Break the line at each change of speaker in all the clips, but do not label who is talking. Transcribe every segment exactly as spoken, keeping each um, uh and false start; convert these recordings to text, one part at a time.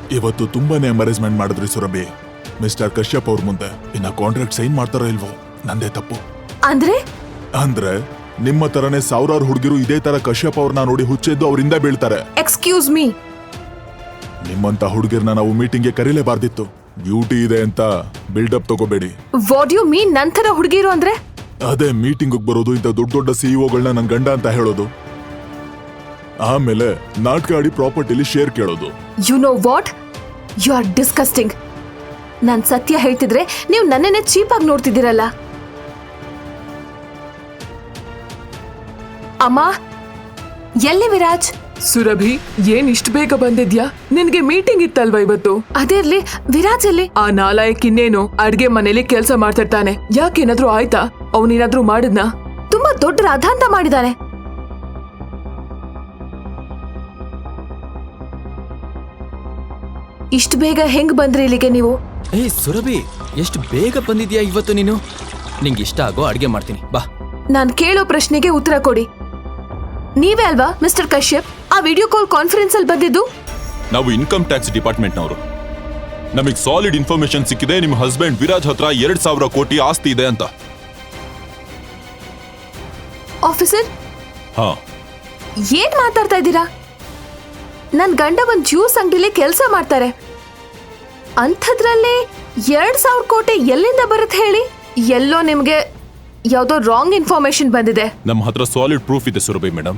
ಇವತ್ತು ತುಂಬಾನೇ ಎಂಬರೇಜ್ಮೆಂಟ್ ಮಾಡಿದ್ರಿ ಸುರಭಿ. ಮಿಸ್ಟರ್ ಕಶ್ಯಪ್ ಅವ್ರ ಮುಂದೆ ಇನ್ನ ಕಾಂಟ್ರಾಕ್ಟ್ ಸೈನ್ ಮಾಡ್ತಾರೋ ಇಲ್ವೋ ನಂದೇ ತಪ್ಪು.
ಅಂದ್ರೆ
ಅಂದ್ರೆ ನಿಮ್ಮ ತರನೇ ಸಾವಿರಾರು ಹುಡುಗಿರು ಇದೇ ತರ ಕಶ್ಯಪ್ ಅವ್ರನ್ನ ನೋಡಿ ಹುಚ್ಚೆದ್ದು ಅವರಿಂದ ಬೀಳ್ತಾರೆ.
ಎಕ್ಸ್ಕ್ಯೂಸ್ ಮೀ,
ನಿಮ್ಮಂತ ಹುಡುಗಿರ್ನ ನಾವು ಮೀಟಿಂಗ್ಗೆ ಕರೀಲೇಬಾರ್ದಿತ್ತು. ಡ್ಯೂಟಿ ಇದೆ ಅಂತ ಬಿಲ್ಡಪ್ ತಗೋಬೇಡಿ.
ವಾಟ್ ಯು ಮೀನ್ ನಂತರ ಹುಡುಗಿರು ಅಂದ್ರೆ?
ಅದೇ ಮೀಟಿಂಗ್ ಬರೋದು, ಇಂಥ ದೊಡ್ಡ ದೊಡ್ಡ ಸಿಇಒಗಳನ್ನ ನನ್ ಗಂಡ ಅಂತ ಹೇಳೋದು, ಆಮೇಲೆ ನಾಟಕ ಆಡಿ ಪ್ರಾಪರ್ಟಿಲಿ ಶೇರ್ ಕೇಳೋದು.
You know what, you are disgusting. ನಾನ್ ಸತ್ಯ ಹೇಳ್ತಿದ್ರೆ ನೀವು ನನ್ನನ್ನೇ ಚೀಪ್ ಆಗಿ ನೋಡ್ತಿದ್ದೀರಲ್ಲ. ಅಮ್ಮ, ಎಲ್ಲಿ ವಿರಾಜ್?
ಸುರಭಿ, ಏನ್ ಇಷ್ಟ ಬೇಗ ಬಂದಿದ್ಯಾ? ನಿನ್ಗೆ ಮೀಟಿಂಗ್ ಇತ್ತಲ್ವಾ ಇವತ್ತು?
ಅದೇ ಇರ್ಲಿ, ವಿರಾಜ್ ಎಲ್ಲಿ?
ಆ ನಾಲಾಯಕ್ ಇನ್ನೇನು ಅಡ್ಗೆ ಮನೇಲಿ ಕೆಲ್ಸ ಮಾಡ್ತಿರ್ತಾನೆ. ಯಾಕೇನಾದ್ರೂ ಆಯ್ತಾ? ಅವನೇನಾದ್ರೂ ಮಾಡಿದ್ನಾ?
ತುಂಬಾ ದೊಡ್ಡ ರಾಧಾಂತ ಮಾಡಿದಾನೆ. ಇಷ್ಟು ಬೇಗ ಹೆಂಗ್ ಬಂದ್ರಿ ಇಲ್ಲಿಗೆ ನೀವು?
ಏಯ್ ಸುರಭಿ, ಎಷ್ಟು ಬೇಗ ಬಂದಿದ್ಯಾ ಇವತ್ತು ನೀನು. ನಿಂಗೆ ಇಷ್ಟ ಆಗೋ ಅಡ್ಗೆ ಮಾಡ್ತೀನಿ, ಬಾ.
ನಾನ್ ಕೇಳೋ ಪ್ರಶ್ನೆಗೆ ಉತ್ತರ ಕೊಡಿ. ನೀವೇ ಅಲ್ವಾ ಮಿಸ್ಟರ್ ಕಶ್ಯಪ್ ಆ ವಿಡಿಯೋ ಕಾಲ್ ಕಾನ್ಫರೆನ್ಸ್ ಅಲ್ಲಿ ಬಂದಿದ್ದು?
ನಾವು ಇನ್ಕಮ್ ಟ್ಯಾಕ್ಸ್ ಡಿಪಾರ್ಟ್ಮೆಂಟ್ನವರು. ನಮಗೆ ಸಾಲಿಡ್ ಇನ್ಫಾರ್ಮೇಶನ್ ಸಿಕ್ಕಿದೆ, ನಿಮ್ಮ ಹಸ್ಬೆಂಡ್ ವಿರಾಜ್ ಹತ್ರ ಎರಡ್ ಸಾವಿರ ಕೋಟಿ ಆಸ್ತಿ ಇದೆ ಅಂತ.
ಆಫೀಸರ್,
ಹಾ,
ಏನ್ ಮಾತಾಡ್ತಾ ಇದ್ದೀರಾ? ನನ್ ಗಂಡ ಒಂದ್ ಜ್ಯೂಸ್ ಅಂಗಡಿಲಿ ಕೆಲಸ ಮಾಡ್ತಾರೆ. ಅಂಥದ್ರಲ್ಲಿ ಎರಡ್ ಸಾವಿರ ಕೋಟಿ ಎಲ್ಲಿಂದ ಬರುತ್ತೆ ಹೇಳಿ? ಎಲ್ಲೋ ನಿಮ್ಗೆ ಯಾವ್ದೋ ರಾಂಗ್ ಇನ್ಫಾರ್ಮೇಶನ್ ಬಂದಿದೆ.
ನಮ್ಮ ಹತ್ರ ಸಾಲಿಡ್ ಪ್ರೂಫ್ ಇದೆ ಸುರಭಿ ಮೇಡಮ್.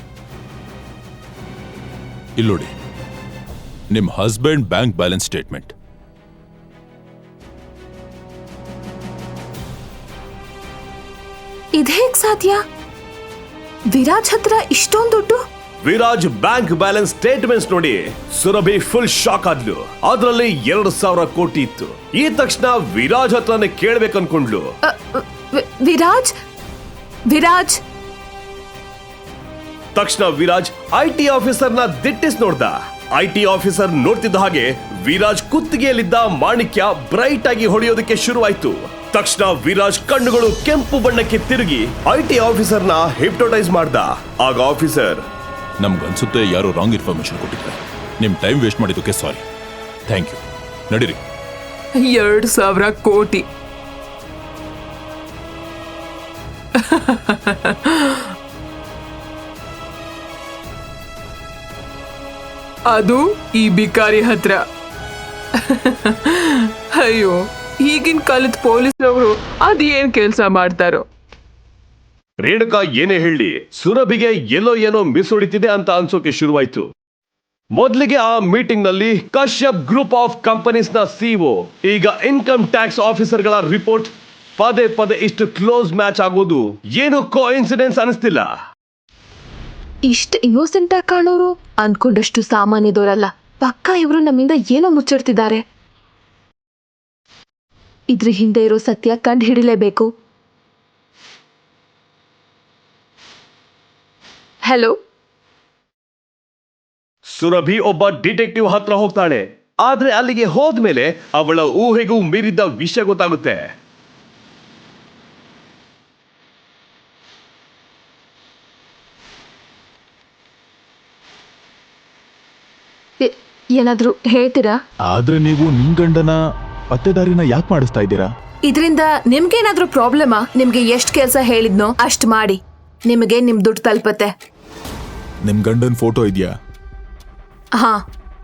ಇಲ್ಲೋಡಿ, ನಿಮ್ಮ ಹಸ್ಬೆಂಡ್ ಬ್ಯಾಂಕ್ ಬ್ಯಾಲೆನ್ಸ್ ಸ್ಟೇಟ್ಮೆಂಟ್.
ಇದೇಗ್ ಸಾಧ್ಯ? ವಿರಾಜ್ ಹತ್ರ ಇಷ್ಟೊಂದು ದುಡ್ಡು?
ವಿರಾಜ್ ಬ್ಯಾಂಕ್ ಬ್ಯಾಲೆನ್ಸ್ ಸ್ಟೇಟ್ಮೆಂಟ್ಸ್ ನೋಡಿ ಸುರಭಿ ಫುಲ್ ಶಾಕ್ ಆದ್ಲು. ಅದ್ರಲ್ಲಿ ಎರಡು ಸಾವಿರ ಕೋಟಿ ಇತ್ತು. ಈ ತಕ್ಷಣ ವಿರಾಜ್ ಹತ್ರನೇ ಕೇಳ್ಬೇಕು ಅನ್ಕೊಂಡ್ಲು.
ಅ, ವಿ- ವಿರಾಜ್ ವಿರಾಜ್
ತಕ್ಷಣ ವಿರಾಜ್ ಐ ಟಿ ಆಫೀಸರ್ ನ ದಿಟ್ಟಿಸ್ ನೋಡ್ದ. ಐ ಟಿ ಆಫೀಸರ್ ನೋಡ್ತಿದ್ದ ಹಾಗೆ ವಿರಾಜ್ ಕುತ್ತಿಗೆಯಲ್ಲಿದ್ದ ಮಾಣಿಕ್ಯ ಬ್ರೈಟ್ ಆಗಿ ಹೊಡೆಯೋದಕ್ಕೆ ಶುರುವಾಯ್ತು. ತಕ್ಷಣ ವಿರಾಜ್ ಕಣ್ಣುಗಳು ಕೆಂಪು ಬಣ್ಣಕ್ಕೆ ತಿರುಗಿ ಐ ಟಿ ಆಫೀಸರ್ ನ ಹಿಪ್ನೋಟೈಸ್ ಮಾಡ್ದ. ಆಗ ಆಫೀಸರ್,
ನಮ್ಗನ್ಸುತ್ತೆ ಯಾರೋ ರಾಂಗ್ ಇನ್ಫಾರ್ಮೇಶನ್ ಕೊಟ್ಟಿದ್ದಾರೆ. ನಿಮ್ ಟೈಮ್ ವೇಸ್ಟ್ ಮಾಡಿದ್ದಕ್ಕೆ ಸಾರಿ. Thank you. ನಡೀರಿ.
ಎರಡ್ ಸಾವಿರ ಕೋಟಿ ಅದು ಈ ಬಿಕಾರಿ ಹತ್ರ. ಅಯ್ಯೋ, ಈಗಿನ ಕಾಲದ ಪೊಲೀಸ್ನವರು ಅದೇನ್ ಕೆಲ್ಸ ಮಾಡ್ತಾರೋ.
ರೇಣುಕಾ ಏನೇ ಹೇಳಿ ಸುರಭಿಗೆ ಎಲ್ಲೋ ಏನೋ ಮಿಸ್ ಹೊಡಿತಿದೆ ಅಂತ ಅನ್ಸೋಕೆ ಶುರುವಾಯ್ತು. ಮೊದಲಿಗೆ ಆ ಮೀಟಿಂಗ್ ನಲ್ಲಿ ಕಶ್ಯಪ್ ಗ್ರೂಪ್ ಆಫ್ ಕಂಪನೀಸ್ ನ ಸಿಇಒ, ಈಗ ಇನ್ಕಮ್ ಟ್ಯಾಕ್ಸ್ ಆಫೀಸರ್ ಗಳ ರಿಪೋರ್ಟ್ ಪದೇ ಪದೇ ಇಷ್ಟು ಕ್ಲೋಸ್ ಮ್ಯಾಚ್ ಆಗೋದು ಏನು ಕೋ ಇನ್ಸಿಡೆನ್ಸ್ ಅನಿಸ್ತಿಲ್ಲ.
ಇಷ್ಟು ಇನ್ನೋಸೆಂಟ್ ಆಗಿ ಕಾಣೋರು ಅನ್ಕೊಂಡಷ್ಟು ಸಾಮಾನ್ಯದವರಲ್ಲ. ಪಕ್ಕ ಇವರು ನಮ್ಮಿಂದ ಏನೋ ಮುಚ್ಚಿಡ್ತಿದ್ದಾರೆ. ಇದ್ರ ಹಿಂದೆ ಇರೋ ಸತ್ಯ ಕಂಡು ಹಿಡಿಲೇಬೇಕು. ಹಲೋ,
ಸುರಭಿ ಒಬ್ಬ ಡಿಟೆಕ್ಟಿವ್ ಹತ್ರ ಹೋಗ್ತಾಳೆ. ಆದ್ರೆ ಅಲ್ಲಿಗೆ ಹೋದ್ಮೇಲೆ ಅವಳ ಊಹೆಗೂ ಮೀರಿದ್ದ ವಿಷಯ ಗೊತ್ತಾಗುತ್ತೆ.
ಏ- ಏನಾದ್ರೂ ಹೇಳ್ತೀರಾ?
ಆದ್ರೆ ನೀವು ನಿಮ್ ಗಂಡನ ಪತ್ತೆದಾರಿನ ಯಾಕೆ ಮಾಡಿಸ್ತಾ ಇದ್ದೀರಾ?
ಇದರಿಂದ ನಿಮ್ಗೇನಾದ್ರೂ ಪ್ರಾಬ್ಲಮಾ? ನಿಮ್ಗೆ ಎಷ್ಟು ಕೆಲಸ ಹೇಳಿದ್ನೋ ಅಷ್ಟು ಮಾಡಿ, ನಿಮಗೆ ನಿಮ್ ದುಡ್ಡು ತಲುಪತ್ತೆ.
ನಿಮ್ ಗಂಡನ್ ಫೋಟೋ ಇದೆಯಾ?
ಹಾ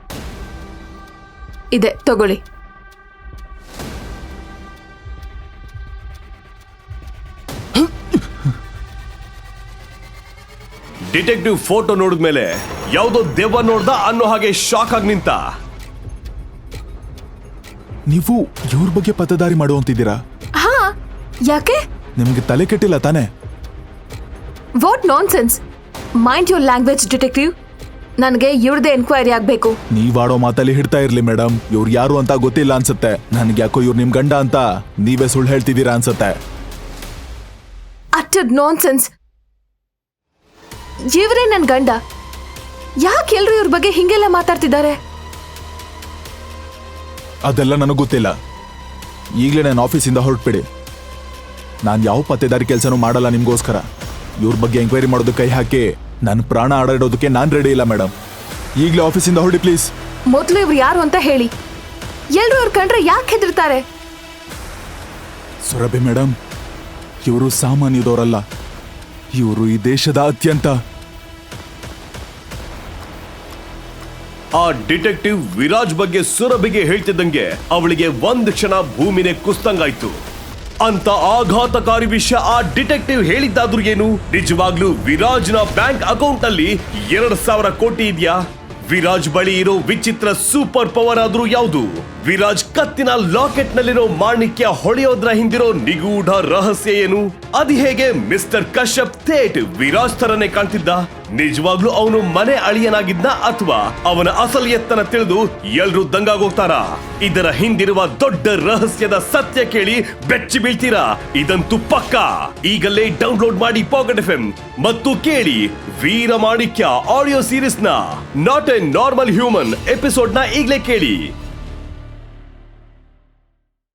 ಇದೆ, ತಗೊಳ್ಳಿ.
ಡಿಟೆಕ್ಟಿವ್ ಫೋಟೋ ನೋಡಿದ್ಮೇಲೆ ಯಾವುದೋ ದೆವ್ವ ನೋಡ್ದ ಅನ್ನೋ ಹಾಗೆ ಶಾಕ್ ಆಗಿ ನಿಂತ.
ನೀವು ಇವ್ರ ಬಗ್ಗೆ ಪತ್ತದಾರಿ ಮಾಡುವಂತಿದ್ದೀರಾ?
ಹಾ, ಯಾಕೆ?
ನಿಮ್ಗೆ ತಲೆ ಕೆಟ್ಟಿಲ್ಲ ತಾನೆ?
What nonsense. Mind your language detective. ನನಗೆ ಇವ್ರದೇ ಎನ್ಕ್ವೈರಿ ಆಗ್ಬೇಕು.
ನೀವಾಡೋ ಮಾತಲ್ಲಿ ಹಿಡ್ತಾ ಇರ್ಲಿ ಮೇಡಮ್. ಇವ್ರು ಯಾರು ಅಂತ ಗೊತ್ತಿಲ್ಲ ಅನ್ಸುತ್ತೆ. ನನ್ಗೆ ಯಾಕೋ ಇವ್ರು ನಿಮ್ ಗಂಡ ಅಂತ ನೀವೇ ಸುಳ್ಳು ಹೇಳ್ತಿದ್ದೀರಾ ಅನ್ಸುತ್ತೆ.
Utter nonsense. ಇವರೇ ನನ್ ಗಂಡ. ಯಾಕೆ ಎಲ್ರು ಇವ್ರ ಬಗ್ಗೆ ಹಿಂಗೆಲ್ಲ ಮಾತಾಡ್ತಿದ್ದಾರೆ?
ಅದೆಲ್ಲ ನನಗೆ ಗೊತ್ತಿಲ್ಲ. ಈಗಲೇ ನಾನು ಆಫೀಸಿಂದ ಹೊರಟ್ಬಿಡಿ. ನಾನು ಯಾವ ಪತ್ತೆದಾರಿ ಕೆಲಸನೂ ಮಾಡಲ್ಲ ನಿಮ್ಗೋಸ್ಕರ. ಇವ್ರ ಬಗ್ಗೆ ಎಂಕ್ವೈರಿ ಮಾಡೋದಕ್ಕೆ ಕೈ ಹಾಕಿ ನನ್ನ ಪ್ರಾಣ ಆಡಾಡೋದಕ್ಕೆ ನಾನು ರೆಡಿ ಇಲ್ಲ ಮೇಡಮ್. ಈಗಲೇ ಆಫೀಸಿಂದ ಹೊರಡಿ ಪ್ಲೀಸ್.
ಮೊದ್ಲು ಇವ್ರು ಯಾರು ಅಂತ ಹೇಳಿ. ಎಲ್ರು ಅವ್ರ ಕಂಡ್ರೆ ಯಾಕೆ ಹೆದರ್ತಾರೆ?
ಸುರಭಿ ಮೇಡಮ್, ಇವರು ಸಾಮಾನ್ಯದವರಲ್ಲ. ಇವರು ಈ ದೇಶದ ಅತ್ಯಂತ
ಆ ಡಿಟೆಕ್ಟಿವ್ ವಿರಾಜ್ ಬಗ್ಗೆ ಸುರಭಿಗೆ ಹೇಳ್ತಿದ್ದಂಗೆ ಅವಳಿಗೆ ಒಂದ್ ಕ್ಷಣ ಭೂಮಿನೇ ಕುಸ್ತಂಗಾಯ್ತು. ಅಂತ ಆಘಾತಕಾರಿ ವಿಷಯ ಆ ಡಿಟೆಕ್ಟಿವ್ ಹೇಳಿದ್ದಾದ್ರೂ ಏನು? ನಿಜವಾಗ್ಲೂ ವಿರಾಜ್ನ ಬ್ಯಾಂಕ್ ಅಕೌಂಟ್ ನಲ್ಲಿ ಎರಡ್ ಸಾವಿರ ಕೋಟಿ ಇದೆಯಾ? ವಿರಾಜ್ ಬಳಿ ಇರೋ ವಿಚಿತ್ರ ಸೂಪರ್ ಪವರ್ ಆದ್ರೂ ಯಾವುದು? ವಿರಾಜ್ ಕತ್ತಿನ ಲಾಕೆಟ್ ನಲ್ಲಿರೋ ಮಾಣಿಕ್ಯ ಹೊಳೆಯೋದ್ರ ಹಿಂದಿರೋ ನಿಗೂಢ ರಹಸ್ಯ ಏನು? ಅದು ಹೇಗೆ ಮಿಸ್ಟರ್ ಕಶ್ಯಪ್ ಥೇಟ್ ವಿರಾಜ್ ತರನೇ ಕಾಣ್ತಿದ್ದ? ನಿಜವಾಗ್ಲೂ ಅವನು ಮನೆ ಅಳಿಯನಾಗಿದ್ನ ಅಥವಾ ಅವನ ಅಸಲಿ ಎತ್ತನ ತಿಳಿದು ಎಲ್ರೂ ದಂಗಾಗೋಗ್ತಾರ? ಇದರ ಹಿಂದಿರುವ ದೊಡ್ಡ ರಹಸ್ಯದ ಸತ್ಯ ಕೇಳಿ ಬೆಚ್ಚಿ ಬೀಳ್ತೀರಾ? ಇದಂತೂ ಪಕ್ಕ. ಈಗಲೇ ಡೌನ್ಲೋಡ್ ಮಾಡಿ ಪಾಕೆಟ್ ಎಫ್ ಎಂ ಮತ್ತು ಕೇಳಿ ವೀರ ಮಾಣಿಕ್ಯ ಆಡಿಯೋ ಸೀರೀಸ್ ನ not a normal human episode ನ ಈಗಲೇ ಕೇಳಿ.